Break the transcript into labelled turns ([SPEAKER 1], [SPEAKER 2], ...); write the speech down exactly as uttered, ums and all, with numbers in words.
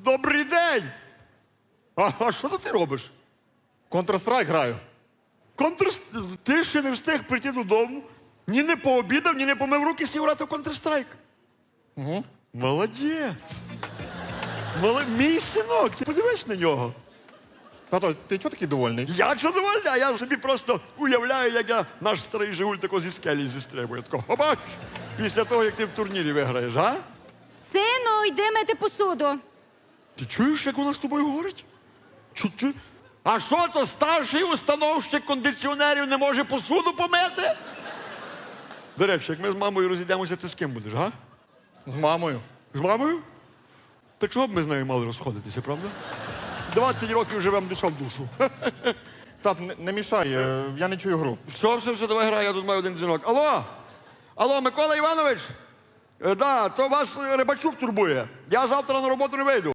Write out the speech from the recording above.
[SPEAKER 1] Добрий день! А, а що ти робиш?
[SPEAKER 2] Counter-Strike граю.
[SPEAKER 1] Контр... Ти ще не встиг прийти додому, ні не пообідав, ні не помив руки, сів грати в Counter-Strike.
[SPEAKER 2] Угу.
[SPEAKER 1] Молодець. Мол... Мій синок, ти подивись на нього.
[SPEAKER 2] Тато, ти чого такий довольний?
[SPEAKER 1] Я задовольний, а я собі просто уявляю, як я наш старий Жигуль тако зі скелі зістрибує. Тако, хопак, після того, як ти в турнірі виграєш, а?
[SPEAKER 3] Сину, йди мити посуду.
[SPEAKER 1] Ти чуєш, як вона з тобою говорить? Чу, чу. А що то старший установщик кондиціонерів не може посуду помити? До речі, як ми з мамою розійдемося, ти з ким будеш, га?
[SPEAKER 2] З мамою.
[SPEAKER 1] З мамою? Та чого б ми з нею мали розходитися, правда? двадцять років живемо душа в душу.
[SPEAKER 2] Тат, не, не мішай, е, я не чую гру.
[SPEAKER 1] Все, все, все, давай грай, я тут маю один дзвінок. Алло? Алло, Микола Іванович? Е, да, то вас е, Рибачук турбує. Я завтра на роботу не вийду.